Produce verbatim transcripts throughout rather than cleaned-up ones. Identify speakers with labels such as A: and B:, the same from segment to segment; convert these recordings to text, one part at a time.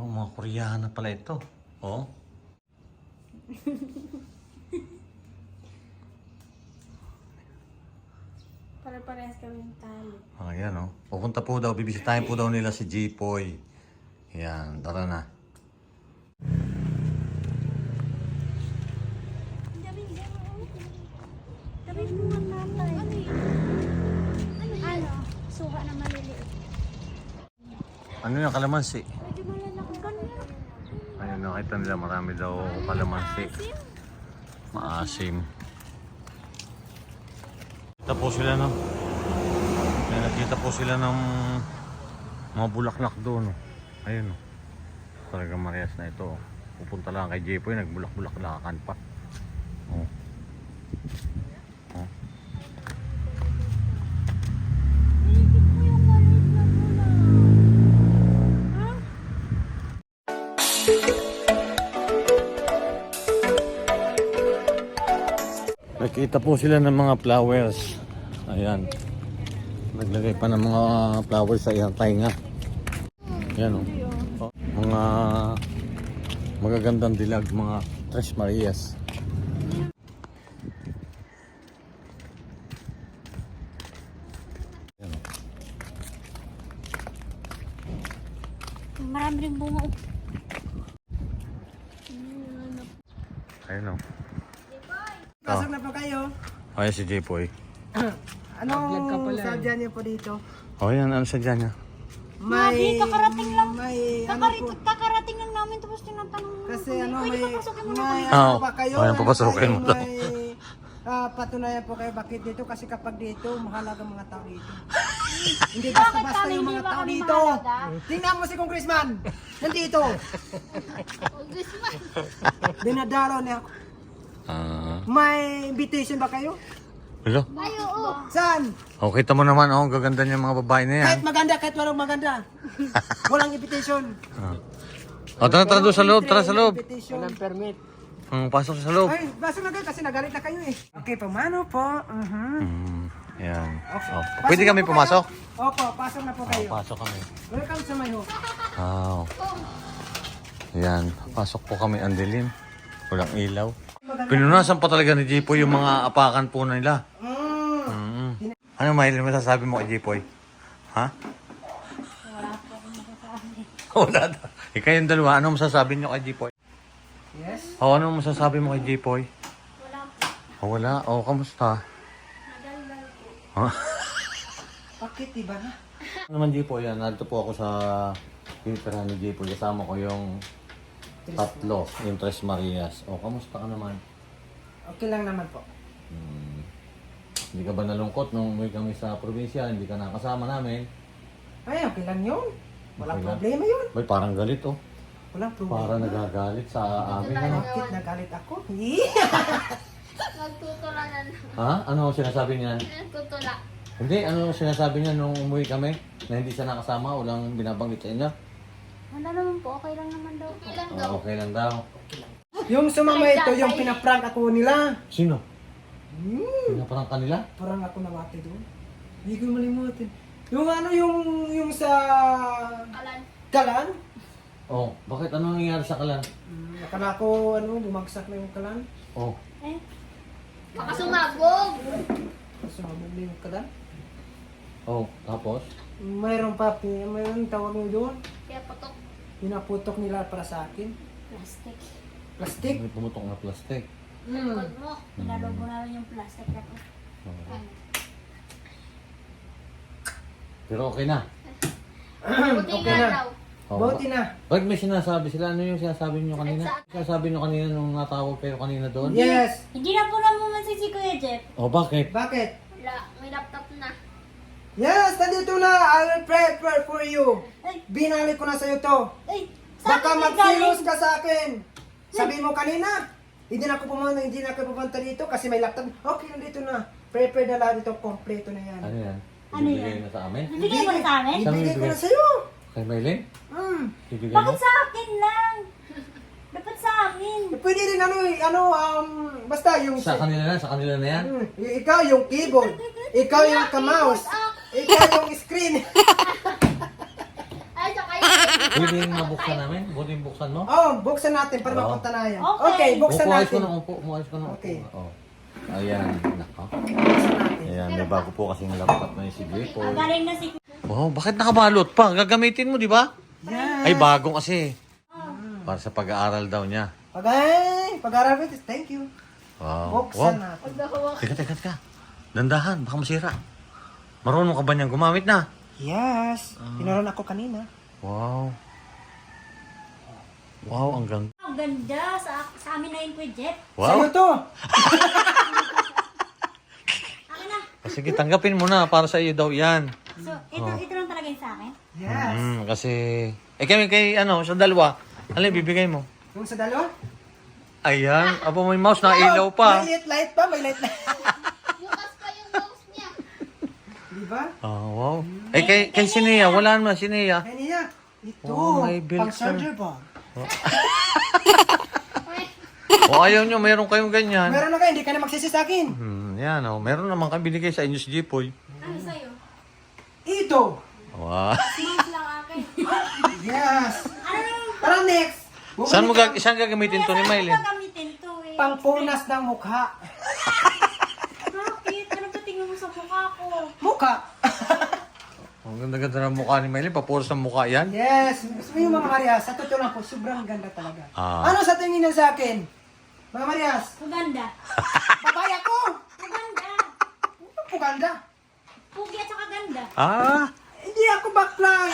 A: Oh, mga Koreana pala ito. Oh.
B: Pare-parehas kami tayo.
A: Ayan oh. Pupunta po daw, bibisitahin po daw nila si Jipoy. Ayan, tara na.
B: Daming bunga natay. Ano yun? Ano? Suha na maliliit.
A: Ano yung kalamansi?
B: Medyo malalaki ka na.
A: Ayun, nakita nila marami daw kalamansi. Maasim. Nakita po sila no. May nakita po sila ng mga bulaklak doon. Oh. Ayun oh. Talagang Marias na ito. Oh. Pupunta lang kay Jipoy, nagbulak-bulaklakan pa. Oh. Oh.
B: Iikit mo yung maliit na bunga. Ha?
A: Nakita po sila ng mga flowers. Ayan. Naglagay pa ng mga flowers sa iyang tainga. Ayan o. Oh. Mga magagandang dilag, mga Tres Marias. Ayan o.
B: Marami rin bunga.
A: Ayan o.
C: Pasok na po kayo.
A: Ayan si Jipoy.
C: Anong sadya niyo po dito?
A: O yan, ano sa dyan niya?
B: May kakarating lang.
C: May ano
B: Kakarit,
C: po?
B: kakarating lang namin tapos tinatanong mo.
C: Kasi ano,
B: Pwede
C: may,
B: papasukin mo na
C: may
B: kami.
A: Ah,
C: ano pa kayo?
A: ayan, papasukin mo daw.
C: May ah, patunayan po kayo bakit dito. Kasi kapag dito, mahalaga mga tao dito. Hindi basta-basta
B: kami
C: yung
B: hindi
C: mga
B: ba
C: tao
B: kami
C: dito.
B: mahalaga?
C: Tingnan mo si Congressman. Nandito. Dinadalo niya ako.
A: Ah,
C: May invitation ba kayo?
A: hello?
B: Ay, oo.
C: Saan?
A: O, kita mo naman, oh, ang gaganda niya mga babae na yan.
C: Kahit maganda, kahit walang maganda. Walang invitation.
A: Ah. O, tara, tara doon sa loob, tara sa loob.
C: Invitation. Walang permit.
A: Hmm, pasok sa loob.
C: Ay, basta na kayo kasi nagalit na kayo eh. Okay, pamano po. Uh-huh.
A: Hmm, yan.
C: Okay.
A: Oh,
C: Pasok
A: pwede
C: na
A: kami
C: po
A: pumasok?
C: kayo. Opo, pasok na po
A: Oh,
C: kayo.
A: pasok kami.
C: Welcome sa my home.
A: Wow. Yan, pasok po kami, ang dilim. Walang ilaw. Pinunasan pa talaga ni Jipoy yung mga apakan po nila.
C: Mm.
A: Mm. Ano, Maylin, masasabi mo kay Jipoy? Ha?
B: Wala po akong masasabi.
A: Wala daw. Eh, kayong dalawa, ano masasabi nyo kay Jipoy?
C: Yes?
A: O, ano masasabi mo kay Jipoy?
B: Wala po.
A: O, wala. O, kamusta?
B: Nadaldal po.
A: Ha?
C: Bakit iba na?
A: Ano naman Jipoy, yan. Narito po ako sa pinitirahan ni Jipoy. Kasama ko yung tatlo, yung Tres Marias. O, kamusta ka naman?
C: Okay lang naman po.
A: Hmm. Hindi ka ba nalungkot nung umuwi kami sa probinsya? Hindi ka nakasama namin?
C: Ay, okay lang yun. Walang
A: Okay lang.
C: problema yun.
A: Bay, parang galit oh.
C: Walang problema.
A: Para nagagalit sa amin. Ano?
C: Bakit nagalit ako?
B: Magtutulanan.
A: Ha? Ano ang sinasabi niyan?
B: Tutula.
A: Hindi, ano ang sinasabi niya nung umuwi kami? Na hindi siya nakasama? Walang binabanggit sa inyo?
B: Wala naman po. Okay lang naman daw po.
A: Oh, okay lang daw.
C: Yung sumama ito, yung pinaprank ako nila.
A: Sino?
C: Hmm.
A: Pinaparang kanila?
C: Parang ako namati doon. Hindi ko malimutin. Yung ano, yung, yung sa...
B: Kalan.
C: Kalan?
A: Oh, bakit? Ano nangyayari sa kalan?
C: Hmm, akala ko, ano, bumagsak na yung kalan.
A: Oh,
B: Eh? Baka sumabog.
C: Sumabog na yung kalan.
A: oh, tapos?
C: Mayroon pa, pi- mayroon tawag mo doon.
B: Kaya patok.
C: Pinaputok nila para sa akin.
B: Plastic.
C: Plastic.
A: May pumutok na plastic.
C: Hmm.
B: Likod mo. Pinalobo namin yung plastic na to.
A: Oh. Pero okay na.
B: Buti
C: Okay
B: nga
C: na.
B: daw.
A: Oh,
C: Buti na.
A: Bakit may sinasabi sila? Ano yung sinasabi nyo kanina? Sinasabi nyo kanina nung natawag kayo kanina doon?
C: Yes.
B: Hindi na po naman si Kuya Jeff.
A: Oh, bakit?
C: Bakit?
B: Wala. May laptop na.
C: Yes, nandito na. I will pray, pray for you.
B: Ay,
C: Binalik ko na sa'yo to.
B: ay. Saan
C: Baka
B: ka
C: magsilos
B: galing?
C: ka sa akin. Sabi mo kanina, hindi na ako pumunta, hindi na ako pupunta dito kasi may laptop. Okay, nandito na. Prepare na lahat ito, kompleto na yan.
A: Ano yan?
B: Ano
A: Ibibigay
B: yan?
A: na sa amin?
B: Bibigay mo na sa amin?
A: Saan
C: Ibigay ko
A: bibigay?
C: na sa'yo.
A: Kay Maylin?
C: Hmm.
A: Ibigay mo?
B: Bakit sa akin lang? Dapat sa amin.
C: Pwede rin ano, eh, ano, um, basta yung...
A: Sa kanila na? Sa kanila na yan?
C: Hmm, y- ikaw yung keyboard. Ikaw yung ka-mouse. Ikaw yung screen.
B: Ay, saka yung
A: Pwede yung mabuksan namin? Pwede yung buksan mo?
C: Oh, buksan natin para
A: Oo.
C: mapunta na yan.
B: Okay.
C: Okay, buksan
A: Upo, ayos ko
C: natin.
A: na, upo. Umayos ko na. upo.
C: Okay.
A: Oh. Ayan, nako.
C: Buksan natin.
A: Ayan, may bago po kasing laptop na yung si Jepoy.
B: Galing na si
A: Wow, bakit nakabalot pa? Gagamitin mo, di ba?
C: Yes.
A: Ay, bago kasi. Para sa pag-aaral daw niya.
C: Pag-ay, pag-aral ko, thank you.
A: Wow.
C: Buksan
A: wow.
C: natin.
A: Teka, teka, teka. Dandahan, baka masira. Marunong ka ba niyang gumamit na?
C: Yes. Tinuruan ako kanina.
A: Wow. Wow, ang ganda.
B: Ang ganda. Sa, sa amin na yun, Kuya Jeff.
C: Sa'yo
A: Wow.
C: to.
B: Akin na.
A: Ah, sige, tanggapin mo na. Para sa iyo daw yan.
B: So, ito, ito lang talaga yung sa akin.
C: Yes.
A: Mm, kasi... Eh kami kay ano, sa dalawa. Ano yung bibigay mo?
C: Yung sa dalawa?
A: Ayan. Apo, may mouse na ilaw pa.
C: May light light pa, may light light.
B: Bukas pa yung mouse niya.
C: Di ba?
A: Oh, wow. Eh kay, kay Sinea, wala naman Sinea.
C: Kaya niya. Ito,
A: Oh, may built
C: pang charger ba?
A: O ayaw nyo, mayroon kayong ganyan.
C: Meron na kayo, hindi ka na magsisi sa akin.
A: Hmm, yan oh. Meron naman kami binigay sa inyo si Jepoy.
B: Ano sa'yo?
C: Ito.
A: Wow.
B: Mouse lang akin.
C: Yes.
B: Ano naman?
C: Para next. bumalik
A: Saan mo
C: ka-
A: gag saan gagamitin to ni
B: Saan ko
A: Mylene?
B: gagamitin to eh?
C: Pangpunas ng mukha.
B: Bakit? Ano ba tingin mo sa mukha ko?
C: Mukha.
A: Ang ganda-ganda ng mukha ni Mylene. Papuros ng mukha yan.
C: Yes. Gusto mo yung mga Marias, sa totoo lang po, sobrang ganda talaga.
A: Ah.
C: Ano sa tingin niyo sa akin? Mga Marias,
B: Maganda.
C: babaya ko.
B: Maganda.
C: Ano po ganda?
B: Pugi at saka ganda.
A: Ah.
C: Hindi ako baklang.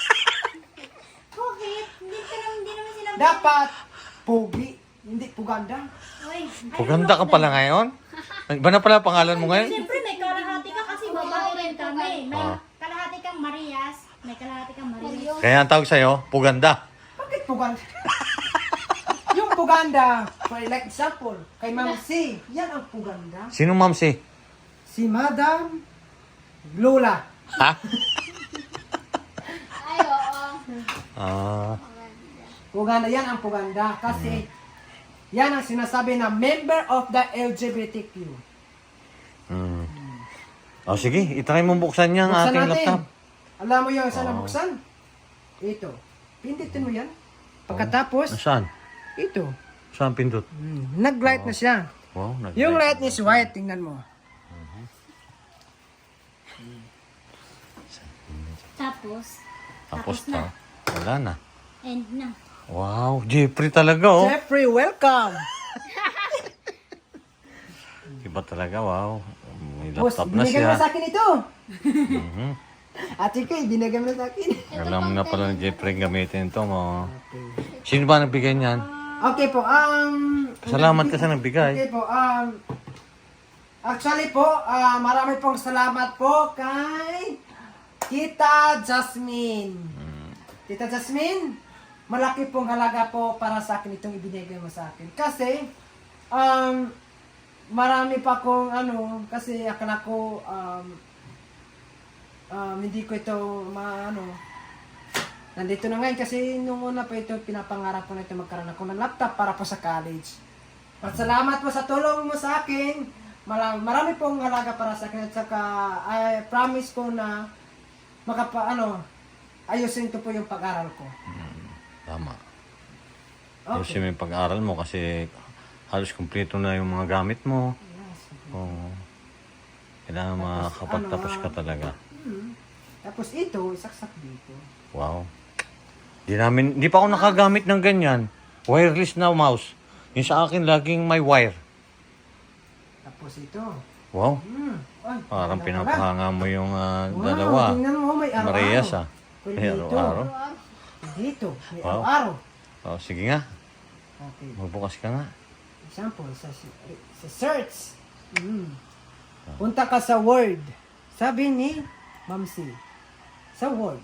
B: Bakit? Hindi ka naman, hindi naman sila...
C: Dapat, pogi. Hindi po ganda.
B: Uy,
A: Puganda ka pala ngayon? Iba na pala pangalan mo ngayon?
B: Siyempre may kalahati ka kasi babae rin kami. May
A: Ah.
B: kalahati kang Marias, may kalahati kang Marias.
A: Kaya ang tawag sa'yo, Puganda.
C: Bakit po ganda? Yung puganda, for like example, kay Ma'am C, yan ang puganda.
A: Sino ma'am si?
C: Si Madam Lola.
A: Ha?
B: Ay, oo.
A: Ah.
C: Puganda, yan ang puganda. Kasi, yan ang sinasabi na member of the L G B T Q.
A: Hmm. O sige, itry mo buksan niya ang
C: Buksan
A: ating
C: natin.
A: laptop.
C: Alam mo yung saan
A: Oo.
C: buksan? Ito. Pindutin mo yan. Pagkatapos,
A: Nasaan?
C: ito.
A: Saan pindot?
C: Hmm, nag-light na siya.
A: Wow, nag
C: Yung light is white, tingnan mo.
B: Tapos,
A: Tapos
B: tapos na.
A: na. Wala na.
B: End na.
A: Wow, Jeffrey talaga oh.
C: Jeffrey, welcome!
A: Iba talaga, wow. May
C: Boss,
A: laptop na
C: binigay
A: siya.
C: mo sa akin ito.
A: Mhm.
C: Ate ko, binigay mo sa akin.
A: Alam na pala ni Jeffrey gamitin ito mo. Sino ba nagbigay niyan?
C: Okay po, um...
A: Salamat ka sa nagbigay.
C: Okay po, um... Actually po, ah, marami pong salamat po kay Tita Jasmine. Tita Jasmine, malaki pong halaga po para sa akin itong ibinigay mo sa akin. Kasi, um, marami pa kong ano, kasi akala ko, um, um, hindi ko ito maano, nandito na ngayon kasi nung una pa ito, pinapangarap ko na ito magkaroon ako ng laptop para po sa college. At salamat po sa tulong mo sa akin. Marami, marami pong halaga para sa akin at saka I promise ko na makapa, ano, ayusin ko po yung pag-aral ko.
A: Tama.
C: Okay.
A: Kasi may pag-aral mo kasi halos kumpleto na yung mga gamit mo.
C: Yes.
A: Oo. Kailangan makakapagtapos
C: ano,
A: ka talaga.
C: Hmm. Tapos ito, isaksak dito.
A: Wow. Di namin, di pa ako nakagamit ng ganyan. Wireless na mouse. Yung sa akin laging may wire.
C: Tapos ito.
A: Wow.
C: Hmm. Ay,
A: Parang
C: ganda pala.
A: pinapahanga mo yung ah,
C: Wow,
A: dalawa.
C: tingnan mo, may araw-araw.
A: Marias ah.
C: Pwede
A: May
C: dito.
A: araw-araw.
C: Dito, may
A: Wow.
C: araw-araw.
A: Oh, sige nga.
C: Okay.
A: Magbukas ka nga.
C: Example, sa, sa search. Mm. Punta ka sa Word. Sabi ni Ma'am C. Sa Word.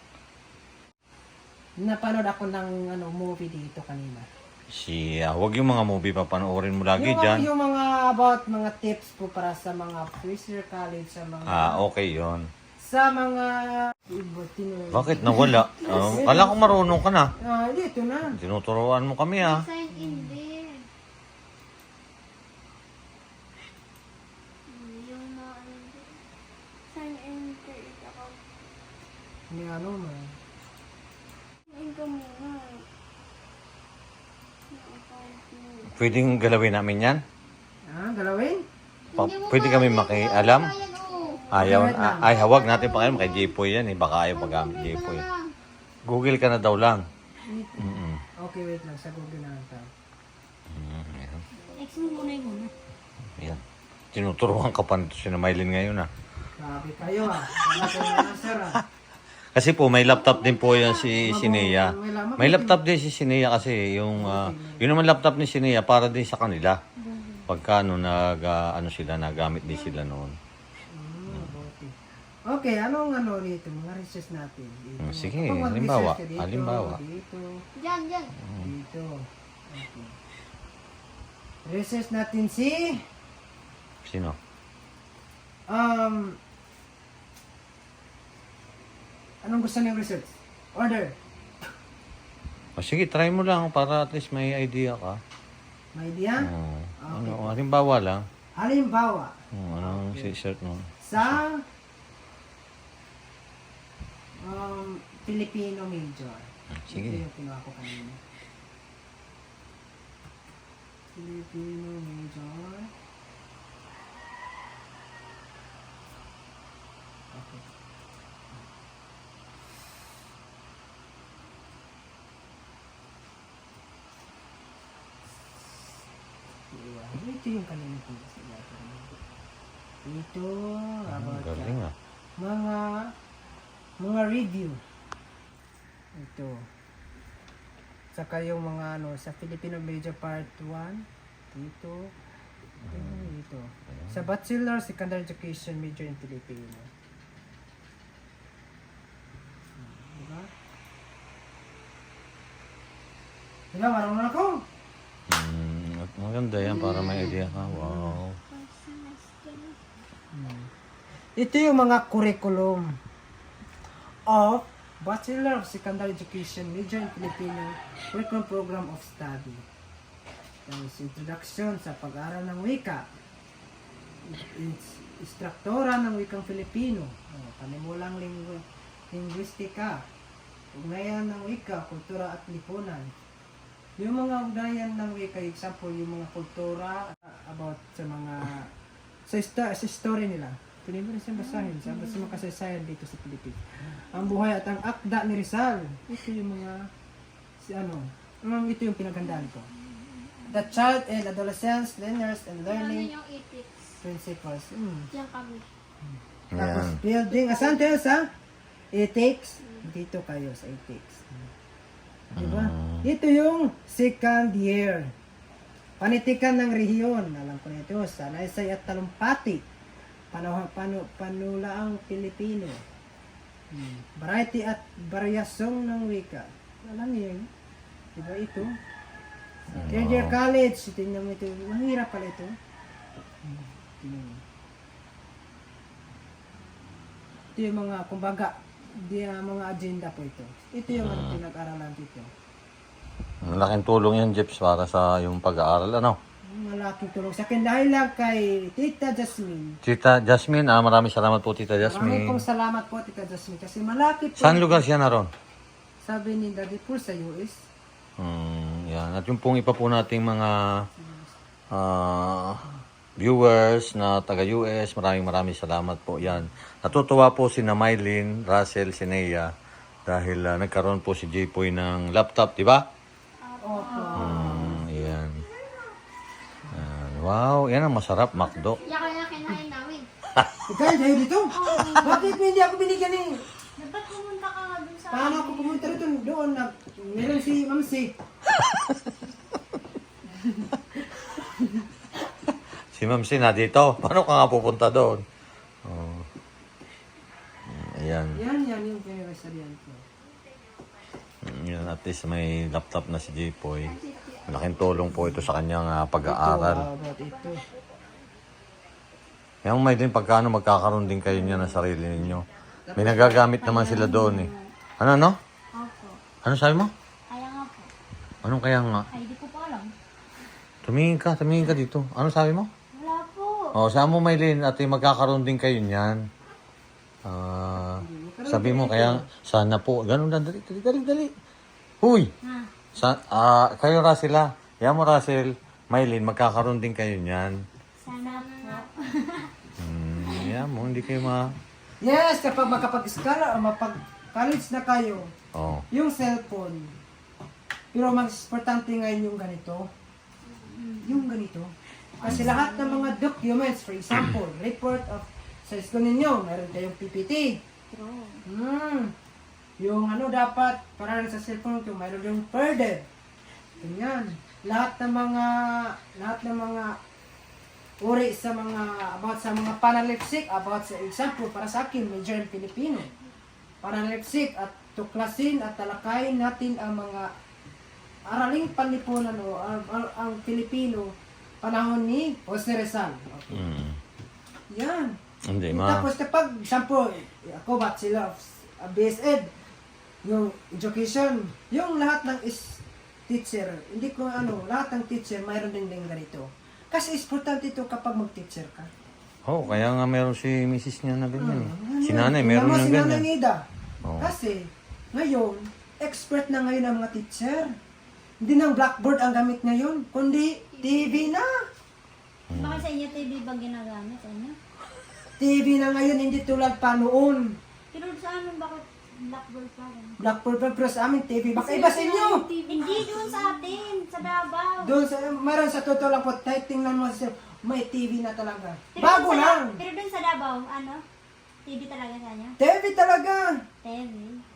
C: Napanood ako ng ano, movie dito kanina.
A: Siya, wag yung mga movie pa panoorin mo lagi
C: yung,
A: dyan.
C: yung mga about mga tips po para sa mga first year college, sa mga
A: Ah, okay yon.
C: sa mga iba, tinu-
A: Bakit nawala? Oh, kala ko marunong ka na.
C: Ah, dito na.
A: Tinuturuan mo kami ah.
B: Sign in din. Yung mga ano din. Sign in create account.
C: Ni ano man.
B: Yung
A: Pwedeng galawin namin yan?
C: Ah, galawin?
A: Pa-
B: Hindi mo
A: pwede kami
B: kaya,
A: makialam?
B: hindi mo kaya, oh.
A: Ayaw,
C: Okay, wait lang.
A: ay, hawag natin pakialam kay J-Poy yan eh. Baka ayaw magamit
B: Google ka
A: J-Poy.
B: na lang.
A: Google ka na daw lang. Mm-mm.
C: Okay, wait lang. Sa Google na lang tayo.
A: Mm, ayan.
B: X mo muna yung muna.
A: Ayan. Tinuturuan ka pa nito si Maylin ngayon ah.
C: Sabi kayo ah. Wala ko na answer ah.
A: Kasi po may laptop din po yan si Sinea. May laptop din si Sinea kasi yung ah, yun naman laptop ni Sinea para din sa kanila. Pagka ano nag ah, ano sila nagamit din sila noon.
C: Hmm, okay. Okay, anong ano rito? Mga research natin. Dito.
A: Hmm, sige,
C: Kapag mag-research
A: halimbawa,
C: ka dito,
A: halimbawa.
C: Dito,
B: Diyan, diyan.
C: dito. Okay. Research natin si
A: Sino?
C: um anong gusto niyong research? Order.
A: O sige, try mo lang para at least may idea ka.
C: May idea?
A: Oo. Ano, halimbawa lang.
C: Halimbawa,
A: Oh, anong si-search mo?
C: sa um, Filipino major.
A: Sige.
C: Ito yung kinuha ko kanina. Filipino major. Okay. Yeah, ito yung kanina ko sila. Ito, about
A: Galing
C: uh,
A: ah.
C: mga mga review. Ito. Saka yung mga ano sa Filipino Major Part one dito. Ito, dito. Sa Bachelor Secondary Education Major in Filipino. Diba? Diba, marunong ako.
A: Hmm, maganda yan para may idea ka. Wow.
C: Ito yung mga curriculum of Bachelor of Secondary Education Major in Filipino Curriculum Program of Study. Tapos introduction sa pag-aaral ng wika. Ins- Instruktora ng wikang Filipino. Oh, panimulang linggu- linguistika. Ugnayan ng wika, kultura at lipunan. Yung mga ugnayan ng wika, example, yung mga kultura uh, about sa mga sa, ista- sa story nila. Tuloy mo rin siyang basahin sa sa mga kasaysayan dito sa Pilipinas. Ang buhay at ang akda ni Rizal. Ito yung mga si ano, um, ito yung pinagandaan ko. The child and adolescents, learners and
B: Ano
C: learning
B: yung ethics?
C: principles. Mm.
B: Diyan kami.
C: Tapos
A: Yan.
C: building, asan tayo sa ethics? Dito kayo sa ethics. Diba? Ito yung second year. Panitikan ng rehiyon. Alam ko na ito. Sanaysay at talumpati. Pano, pano, panulaang Pilipino. Hmm. Variety at variasyong ng wika. Alam niyo yun? Diba ito? Third year college. Tingnan mo ito. Mahirap pala ito. Hmm. Tingnan mo. Ito yung mga, kumbaga, di, uh, mga agenda po ito. Ito yung ano, pinag-aralan dito.
A: Ang laking tulong yan, Jeps, para sa yung pag-aaral. Ano?
C: Malaking tulong sa akin dahil lang kay Tita Jasmine.
A: Tita Jasmine, ah, maraming salamat po, Tita
C: Maraming
A: Jasmine.
C: pong salamat po, Tita Jasmine. Kasi malaki po.
A: Saan lugar siya naroon?
C: Sabi ni Daddy Paul sa U S.
A: Hmm, yan. At yung pong ipa po nating mga ah, viewers na taga-U S, maraming maraming salamat po. Yan. Natutuwa po si na Mylene, Russell, Sinea dahil ah, nagkaroon po si J-Poy ng laptop, di ba?
C: Opo.
A: Hmm, yan. Yan. Wow, yan ang masarap, McDo.
B: Yan kaya kinain namin.
C: Ikaw, dahil dito? Bakit hindi ako binigyan eh?
B: Dapat pumunta ka nga dun sa...
C: Paano ako pumunta rito doon na meron si Mamsi?
A: Si Ma'am Sin na dito. Paano ka nga pupunta doon? Oh. Ayan.
C: Yan, yan yung pinag-asarian ko.
A: Yan, at least may laptop na si J-Poy. Malaking tulong po ito sa kanyang ah, pag-aaral.
C: Ito, about ito.
A: Yung may din pagkano magkakaroon din kayo niya ng sarili ninyo. May nagagamit naman sila doon eh. Ano, no?
B: Opo.
A: Ano sabi mo?
B: Kaya nga po.
A: Anong kaya nga?
B: Ay, di ko pa alam.
A: Tumingin ka, tumingin ka dito. Ano sabi mo?
B: Wala po.
A: Oh, saan mo Maylin at eh, magkakaroon din kayo niyan. Ah, sabi mo kaya sana po. Ganun lang, dali, dali, dali, dali. Huy!
B: Ha?
A: Sa, ah, kayo Russell ah. Yan mo Russell. Maylin, magkakaroon din kayo niyan.
B: Sana po.
A: Hmm, yeah mo, hindi kayo ma...
C: Yes, kapag makapag-eskwela o mapag-college na kayo,
A: Oh.
C: yung cellphone. Pero mas importante ngayon yung ganito. Yung ganito. Kasi lahat ng mga documents, for example, report of sa school ninyo, meron kayong P P T.
B: True.
C: Hmm. Yung ano dapat, para rin sa cellphone ito, mayroon yung further. Ganyan. Lahat ng mga, lahat ng mga uri sa mga, about sa mga panalipsik, about sa example, para sa akin, major in Filipino. Panalipsik at tuklasin at talakayin natin ang mga araling panlipunan o ang, ang, ang Filipino panahon ni Jose Rizal. Okay.
A: Hmm.
C: Yan.
A: Hindi, ma...
C: Tapos kapag, example, ako bachelor of B S Ed, yung education, yung lahat ng is teacher, hindi ko ano, lahat ng teacher mayroon din din ganito. Kasi importante ito kapag mag-teacher ka.
A: Oh, kaya nga meron si misis niya na ganyan. eh.
C: Hmm,
A: Si
C: yan.
A: nanay,
C: Tingnan
A: meron
C: mo
A: ng
C: si Nanay
A: ganyan.
C: Nida.
A: Oh.
C: Kasi, ngayon, expert na ngayon ang mga teacher. Hindi nang blackboard ang gamit ngayon, kundi T V na.
B: Bakit sa inyo T V ba ginagamit sa inyo?
C: T V na ngayon, hindi tulad pa noon.
B: Pero sa amin bakit blackboard pa rin?
C: Blackboard pa, pero sa amin T V. Baka iba sa inyo.
B: Hindi doon sa atin, sa Davao.
C: Doon sa, mayroon sa totoo lang po, kahit tingnan mo sa may T V na talaga.
B: Pero
C: Bago
B: doon sa-
C: lang.
B: Pero doon sa Davao, ano? T V talaga sa inyo?
C: T V talaga.
B: T V.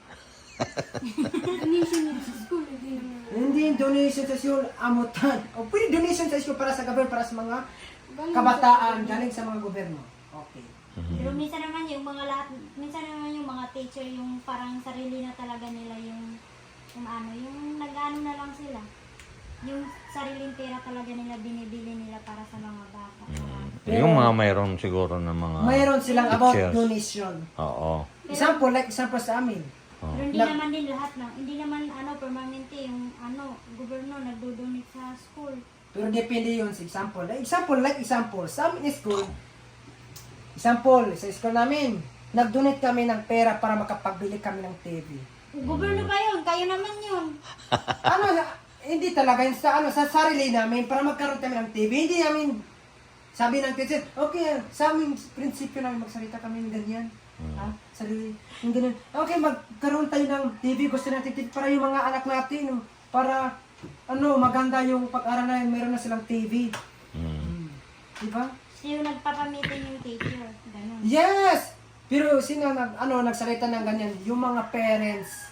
C: Hindi donation sa school, amutan. O pwede donation sa school para sa gobyerno, para sa mga kabataan, galing sa mga gobyerno. Okay.
B: Pero minsan naman yung mga lahat, minsan naman yung mga teacher, yung parang sarili na talaga nila yung, yung ano, yung nag-ano na lang sila. Yung sariling pera talaga nila binibili nila para sa mga bata.
A: Eh, yung mga mayroon siguro ng mga...
C: Mayroon silang about
A: teachers.
C: donation.
A: Oo.
C: Example, like example sa amin.
A: Oh.
B: Pero hindi
C: Lag-
B: naman din lahat na, hindi naman ano, permanente yung ano, gobyerno nagdo-donate sa school.
C: Pero depende yun sa example. Like example, like example, sa amin school, example, sa school namin, nag-donate kami ng pera para makapagbili kami ng T V.
B: Gobyerno pa yun, kayo naman yun.
C: Ano, hindi talaga yun sa, ano, sa sarili namin, para magkaroon kami ng T V. Hindi namin, sabi ng teacher, okay, sa aming prinsipyo namin, magsalita kami ng ganyan. Ha? Sarili, yung ganyan. Okay, magkaroon tayo ng T V, gusto natin T V para yung mga anak natin, para, ano, maganda yung pag-aral na meron na silang T V.
A: Mm.
C: Diba?
B: So yung nagpapamitin yung teacher, ganun.
C: Yes! Pero sino nag, ano, nagsalita ng ganyan? Yung mga parents.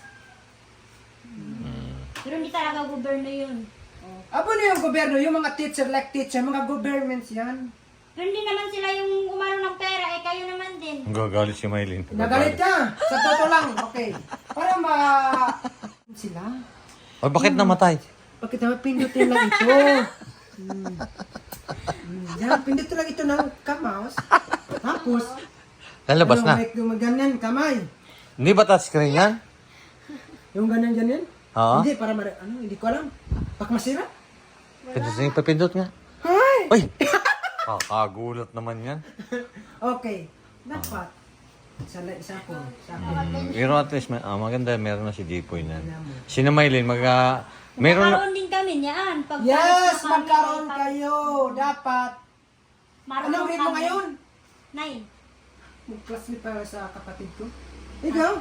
B: Pero hindi talaga gobyerno yun.
C: Abo na yung gobyerno, yung mga teacher like teacher, mga governments yan.
B: Pero hindi naman sila yung umano ng pera, eh kayo naman din.
A: Gagalit si Maylin.
C: Nagalit ka! Sa totoo lang, okay. Para ma... sila?
A: Ay, bakit namatay?
C: Bakit naman pindutin lang ito? Hmm. Hmm. Yan, pindutin lang ito ng kamouse. Tapos,
A: Lalabas
C: ano,
A: na.
C: may yung ganyan, kamay.
A: Hindi ba touchscreen yan?
C: Yung ganyan ganyan?
A: Oo.
C: Hindi, para mara... Ano, hindi ko alam. Baka masira?
A: Pindot na yung papindot nga.
C: Ay!
A: Uy! Kakagulat naman yan.
C: Okay. Dapat. Isa, isa po. Sa akin.
A: Mm, pero at least, may- ah, maganda, meron na si Jipoy na. Si na Maylin, mag... ah, meron na...
B: Magkakaroon din kami niyan. Pag
C: Yes!
B: kami,
C: Magkaroon
B: pag-
C: kayo! Dapat!
B: Marunong
C: Anong grade mo
B: kami.
C: ngayon?
B: Nine.
C: Mag-classmate para sa kapatid ko. Ikaw?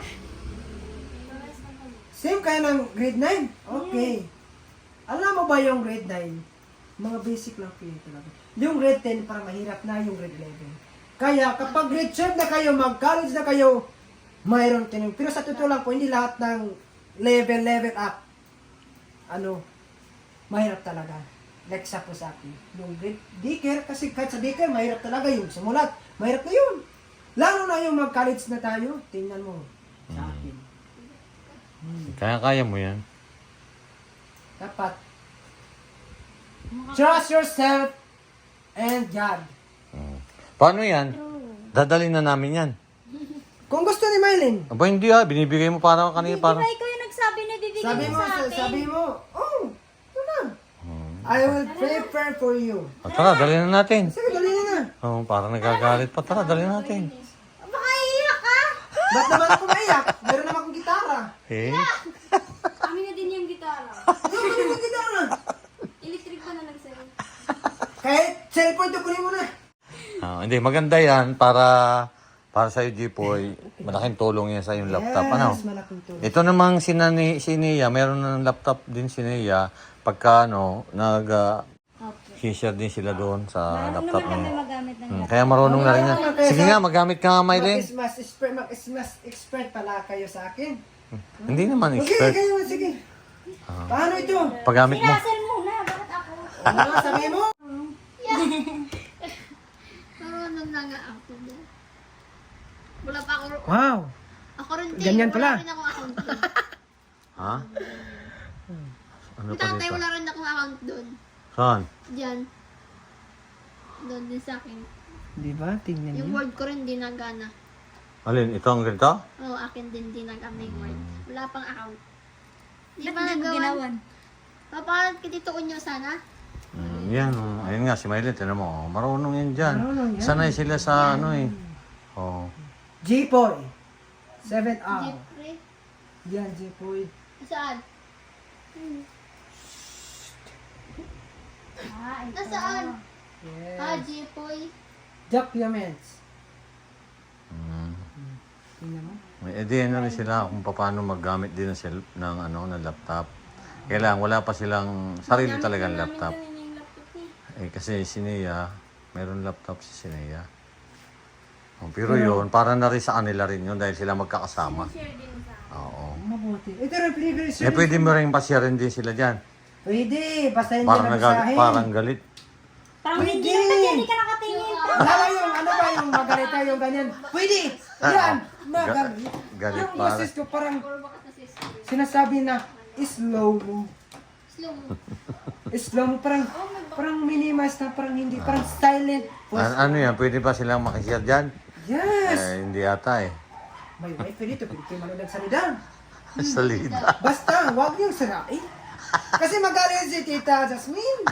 C: Same kayo ng grade nine? Okay. Alam mo ba yung grade nine? Mga basic lang po yun talaga. Yung grade ten, parang mahirap na yung grade eleven. Kaya kapag grade twelve na kayo, mag-college na kayo, mayroon tinong. Pero sa totoo lang po, hindi lahat ng level, level up, ano, mahirap talaga. Like sa po sa akin. Yung grade daycare, kasi kahit sa daycare, mahirap talaga yung simulat. Mahirap na yun. Lalo na yung mag-college na tayo, tingnan mo sa akin.
A: Kaya-kaya mo yan.
C: Dapat, trust yourself and God.
A: Mm. Paano yan? Dadalhin na namin yan.
C: Kung gusto ni Mylene,
A: Aba, hindi ah. Binibigay mo parang kanina
B: Di
A: parang...
B: ba ikaw yung nagsabi na bibigyan
C: sabi
B: mo
C: mo,
B: sa akin?
C: sabi mo, oh, ito na. I will prepare for you.
A: Ah, tara, dalhin na natin.
C: Sige, dali na na.
A: Oh, parang nagagalit pa. Tara, dalhin na natin.
B: Baka iiyak ka!
C: Ba't naman ako maiyak? Meron naman akong gitara.
A: Eh?
D: Amin na din yung gitara.
C: Ano ba yung gitara?
D: Electric pa na lang sir.
C: cellphone to, kunin mo na.
A: Ah, hindi, maganda yan para para sa iyo, Jipoy. Malaking tulong yan sa yung laptop. Ano?
C: Yes, malaking tulong.
A: Ito namang si, Nani, si Nia, meron ng laptop din si Nia. Pagka ano, nag uh,
B: Okay.
A: share din sila doon sa
B: Marunong
A: laptop
B: naman kami
A: niya.
B: magamit ng
A: Hmm, kaya marunong na rin yan. Sige nga, magamit ka nga, Mylene.
C: Mag-ismas expert, mag-ismas expert pala kayo sa akin.
A: Hindi naman
C: Okay,
A: expert.
C: kayo, sige. Paano ito?
A: Paggamit mo.
B: Russell muna, bakit ako?
C: Ano, sabi mo?
D: Marunong na nga ako. Wala pa ako.
C: Wow.
D: Ako rin din.
C: Ganyan
D: Wala
C: pala.
D: rin ako account doon.
A: Ha? Ano
D: Yung
A: pa
D: tatay,
A: dito?
D: wala rin akong account doon.
A: Saan?
D: Diyan. Doon din sa akin.
C: Di ba? Tingnan
D: Yung
C: niyo.
D: word ko rin di nagana.
A: Alin, ito ang ganito?
D: Oo, akin din di nagana yung word. Wala pang account. Di
B: Ba't
D: ba
B: hindi mo
D: nagawan?
B: ginawan?
D: Papalat ka dito unyo sana?
A: Mm, yan, oh. Ayun nga, si Mylene, tinan mo. Oh. Marunong yan dyan.
C: Marunong yan.
A: Sanay sila sa ano eh. Oh.
C: J-Boy. seven hour.
D: Jeffrey?
C: Yan, J-Boy.
D: Saan?
B: Ah, ito.
D: Nasaan?
C: Yes.
D: Ah, Jepoy.
C: Documents.
A: Mm.
C: Tingnan mo.
A: May idea na rin sila kung paano maggamit din ng, cell, ng, ano, ng laptop. Kailangan, wala pa silang sarili talagang laptop. Eh, kasi si Nia, meron laptop si Nia. Oh, pero yun, para na rin sa kanila rin yun dahil sila magkakasama. Oo.
C: Mabuti. Ito rin, pwede.
A: Eh, pwede mo rin pasyarin din sila dyan.
C: Pwede. Basta hindi
A: Parang,
C: na
A: nagal-
C: basahin.
A: parang galit.
B: Parang
C: Pwede.
B: hindi naman yan, hindi ka nakatingin.
C: Wala ba yung, ano ba yung magalita yung ganyan? Pwede. Yan. Magalit.
A: Galit
C: Yung
A: para.
C: boses ko parang
D: Puro bakas na sis.
C: sinasabi na slow mo.
D: Slow mo.
C: Slow mo. Parang, parang minimize na parang hindi. Parang silent.
A: An- ano yan, pwede ba silang makishare dyan?
C: Yes.
A: Eh, hindi ata eh.
C: May wifi dito. Pwede kayo manood ng salida.
A: Salida.
C: Basta, huwag niyong sirain. Kasi magaling si Tita Jasmine.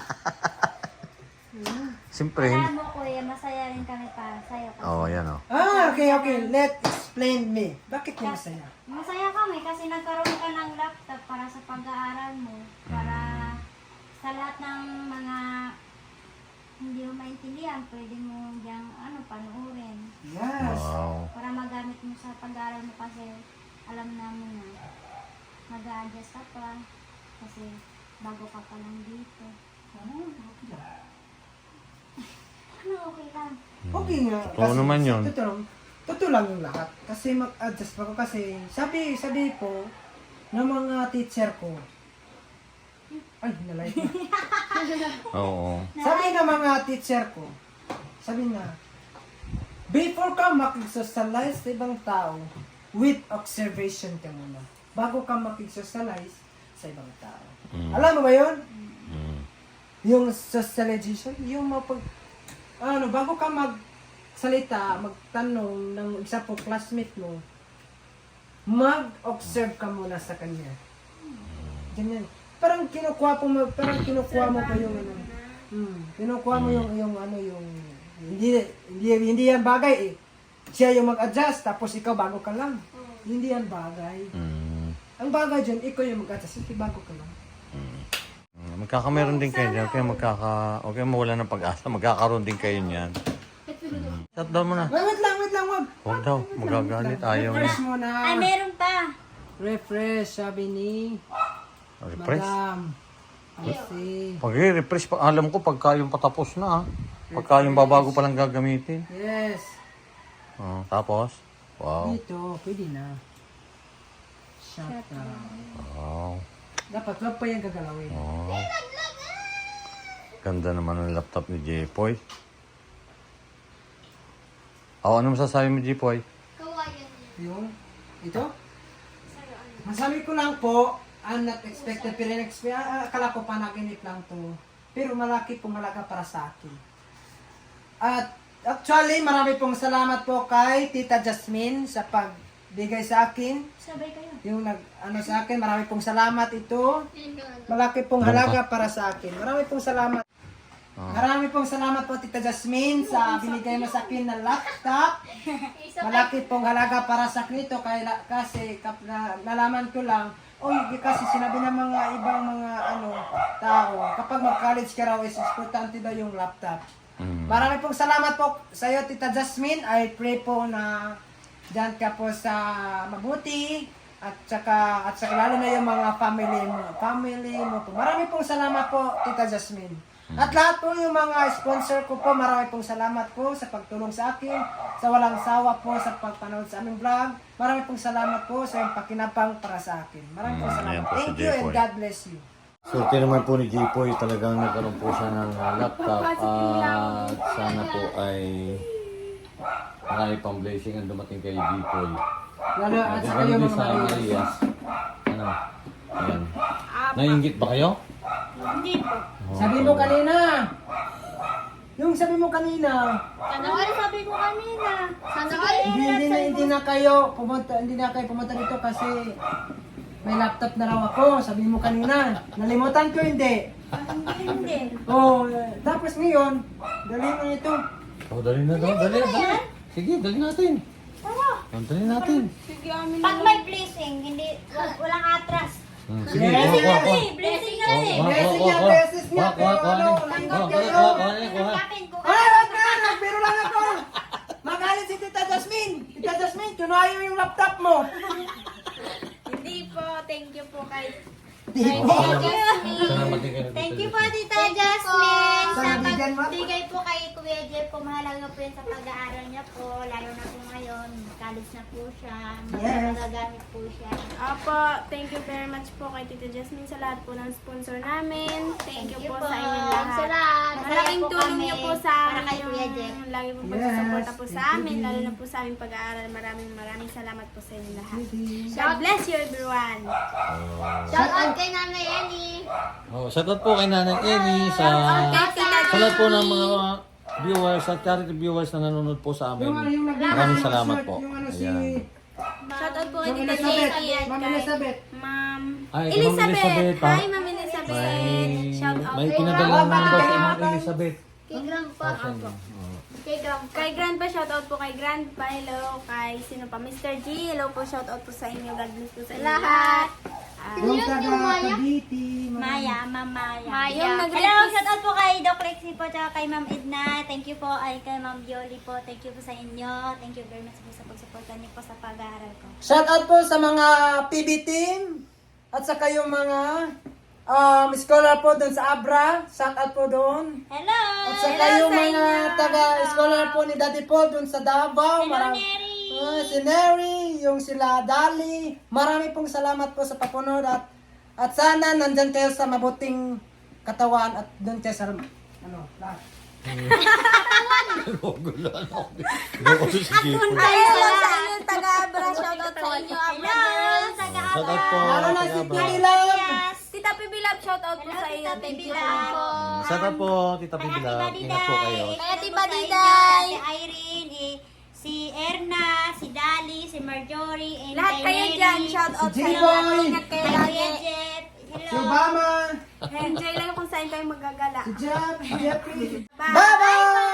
A: Siyempre,
B: Alam
A: hindi.
B: mo, kuya, masaya rin kami para sa'yo.
A: Oo, oh, yan o. Oh.
C: Ah, okay, okay. Let explain me. Bakit niya masaya?
B: Masaya kami kasi nagkaroon ka ng laptop para sa pag-aaral mo. Para sa lahat ng mga hindi mo maintindihan, pwede mo diyang ano, panuorin.
C: Yes.
A: Wow.
B: Para magamit mo sa pag-aaral mo kasi alam namin na mag-a-adjust ka pa kasi bago ka pa lang dito.
C: Ah, okay lang.
B: Ano, okay lang.
C: Okay nga.
A: Oo naman yun.
C: Totoo, totoo lang yung lahat. Kasi mag-adjust pa ko kasi sabi, sabi po ng mga teacher ko. Ay, nalike na.
A: Oo.
C: Sabi ng mga teacher ko, sabi na, before ka makig-socialize sa ibang tao, with observation ka muna. Bago ka makig-socialize sa ibang tao.
A: Mm.
C: Alam mo ba yun?
A: Mm.
C: Yung socialization, yung mapag... Ano, bago ka magsalita, magtanong ng isa po classmate mo, mag-observe ka muna sa kanya. Ganyan. Parang kinukuha po mo, parang kinukuha mo pa yung ano. Hmm, kinukuha mo yung yung ano yung hindi hindi hindi yan bagay eh. Siya yung mag-adjust tapos ikaw bago ka lang. Hindi yan bagay.
A: Mm.
C: Ang bagay dyan, ikaw yung mag-adjust, hindi bago ka lang.
A: Mm, Magkakameron din kayo dyan. Kaya magkaka... Okay, mawala ng pag-asa. Magkakaroon din kayo niyan. Mm. Shutdown mo na.
C: Wait, wait lang, wait lang, wag.
A: Huwag daw. Magagalit. Ayaw niya.
C: Refresh muna.
B: Ay, meron pa.
C: Refresh, sabi ni
A: Refresh.
C: Madam. Kasi,
A: Pag refresh pa, alam ko pagka yung patapos na ah. Pagka yung babago pa lang gagamitin.
C: yes.
A: Oh, tapos? Wow.
C: Dito, pwede na. Shut down.
A: Wow.
C: Dapat, wag pa yung gagalawin.
A: Oh. Ganda naman ng laptop ni Jepoy. Oh, ano masasabi mo, Jepoy?
D: Kawayan niya.
C: Yung, ito? Masabi ko lang po, ang not expected, pero in-expect, ah, akala ko panaginip lang to. Pero malaki pong halaga para sa akin. At actually, marami pong salamat po kay Tita Jasmine sa pagbigay sa akin.
B: Sabay kayo.
C: Yung nag, ano sa akin, marami pong salamat ito.
D: Yan ka ano.
C: Malaki pong halaga para sa akin. Marami pong salamat. Marami pong salamat po Tita Jasmine sa binigay mo sa akin na laptop.
D: Isa pa.
C: Malaki pong halaga para sa akin ito kaya, kasi kap, na, nalaman ko lang, oy, kasi sinabi ng mga ibang mga ano tao, kapag mag-college ka raw is importante daw yung laptop.
A: Mm.
C: Marami pong salamat po sa iyo, Tita Jasmine. I pray po na dyan ka po sa mabuti at saka, at saka lalo na yung mga family mo. Family mo po. Marami pong salamat po, Tita Jasmine. At lahat po yung mga sponsor ko po, marami pong salamat po sa pagtulong sa akin, sa walang sawa po sa pagpanood sa aming vlog. Marami pong salamat po sa yung pakinabang para sa akin. Marami pong
A: Mm,
C: salamat.
A: ayan po si
C: Thank you and
A: Jepoy.
C: God bless you.
A: Swerte naman po ni Jipoy, talagang nagkaroon po siya ng uh, laptop at sana po ay marami pang blessing ang dumating kay Jipoy.
C: Lalo at saka
A: Ganun
C: yung
A: din
C: mga
A: sa
C: Marias.
A: Marias. Ano? Ayan. Nainggit ba kayo?
B: Hindi po.
A: Oh,
C: Sabi mo kanina. Yung sabi mo kanina.
B: Ano ano sabi ko kanina?
D: Sana
B: Sige,
D: all.
C: Hindi, hindi, na, hindi na kayo pumunta, hindi na kayo pumunta dito kasi may laptop na raw ako. Sabi mo kanina. Nalimutan ko hindi.
B: Hindi, hindi.
C: Oh, eh, tapos ngayon, dali mo ito.
A: Oh, dali na daw, dali, dali. Sige, dali natin.
B: Tara.
A: Oh, dali natin.
B: Pag may blessing, hindi, wal- walang atras.
A: Hmm, sige,
C: Yes.
A: kuha, kuha, kuha.
B: Blessing na
A: Oh,
B: eh.
A: kuha,
C: Blessing
A: kuha,
C: niya,
A: kuha.
C: blessings niya,
A: Kuha, kuha,
C: pero
A: kuha,
C: ano,
A: kuha,
C: langgam
A: kuha,
C: kayo.
A: kuha, kuha, kuha.
B: Kapin ko.
C: Ay, wag na! Nagbiro lang ako! Magalit si Tita Jasmine! Tita Jasmine, tunayo yung laptop mo!
D: Hindi po, thank you po kay
C: Di
B: Thank
C: po.
B: you.
A: Salamat din kayo.
B: Thank you po, Tita Jasmine.
C: Sa
B: Sa
C: bigyan mo.
B: pagbigay po kay Kuya Jeff po, mahalaga po yun sa pag-aaral niya po. Lalo na po ngayon, college na po siya.
C: Yes.
B: Magagamit po siya.
E: Apo, thank you very much po kay Tita Jasmine sa lahat po ng sponsor namin. Thank, you, po, sa inyong lahat.
D: Salamat.
E: Malaking
B: Masaya po
E: tulong
B: kami
E: niyo po sa
B: para kay
E: amin
B: Kuya
E: yung
B: Jeff.
E: lagi po
C: Yes,
E: pagsusuporta po sa
C: thank you,
E: amin,
C: Dee.
E: lalo na po sa aming pag-aaral. Maraming maraming salamat po sa inyong lahat.
C: Sige.
E: God bless you everyone.
D: Shout out kay Nanay Annie.
A: Oh, shoutout po kay Nanay Eni sa
E: Kay Tita
A: sa lahat po ng mga viewers at charity viewers na nanonood po sa amin.
C: Yung ano, yung nag-
A: Maraming salamat po.
C: Yung ano si...
A: Ayan.
E: Shoutout po kay
C: Ma'am
E: Tita
C: Elizabeth.
E: Jessie at
C: Ma'am
E: kay
C: Elizabeth.
E: Ma'am
A: Ay, Ma'am
E: Elizabeth.
A: Elizabeth, ha?
E: Hi, Ma'am Elizabeth.
A: May,
E: Shout out
A: may
E: po.
A: pinadala
C: Grandpa.
A: naman daw si Ma'am Elizabeth.
D: Kay Grandpa.
A: Asan yun? Oh.
D: Kay Grandpa.
E: Kay Grandpa, shoutout po kay Grandpa. Hello. Kay sino pa? Mister G. Hello po. Shoutout po sa inyo. God bless po sa inyo lahat. Ah,
C: Yung
D: Yun,
C: taga
D: yung Maya.
C: Cavite.
B: Maya, Ma'am Maya.
E: Maya.
B: Yung
E: Nag-
B: Hello, shout out po kay Doc Lexi po, tsaka kay Ma'am Edna. Thank you po, ay kay Ma'am Yoli po. Thank you po sa inyo. Thank you very much po sa pagsuporta niyo po sa pag-aaral ko.
C: Shout out po sa mga P B team at saka yung mga um, scholar po doon sa Abra. Shout out po doon.
B: Hello!
C: At saka
E: Hello
C: yung
E: sa
C: mga
E: inyo.
C: taga-scholar po ni Daddy Paul doon sa Davao.
B: Hello,
C: Marami-
B: Neri!
C: Ah, si Neri, yung sila Dali. Marami pong salamat po sa papunod at at sana nandyan kayo sa mabuting katawan at doon kayo sa ano, lahat.
A: Gugulan ako. Gugulo si Jipoy.
E: Hello sa inyo, taga-Abra. Shoutout sa inyo, Abra girls.
A: Shoutout po.
C: Lalo na si
A: taga-Abra.
C: Titi Love.
B: Yes!
E: Tita Pibilab, shoutout po
B: Hello,
E: sa iyo.
B: Tita
E: Thank you
B: Pibilab.
E: po.
A: Shoutout po, Tita
B: Kay Ate
A: Pibilab.
B: Badiday.
A: Ingat po kayo.
E: Kay Ate
B: Shoutout po sa
E: Badiday.
B: inyo, Ate Irene, eh, si Erna, si Dali, si Marjorie, and
E: Lahat
B: kay
E: kayo
B: Neri,
E: dyan, shoutout
C: Si
E: sa inyo.
C: Jiboy.
E: Ingat kayo
B: kay
E: lagi.
B: Kuya Jeff.
C: Si
B: Hello!
C: Obama.
E: Enjoy lang kung saan tayo magagala.
C: Si Jeff. Si Jeffrey.
E: Bye!
C: Bye-bye!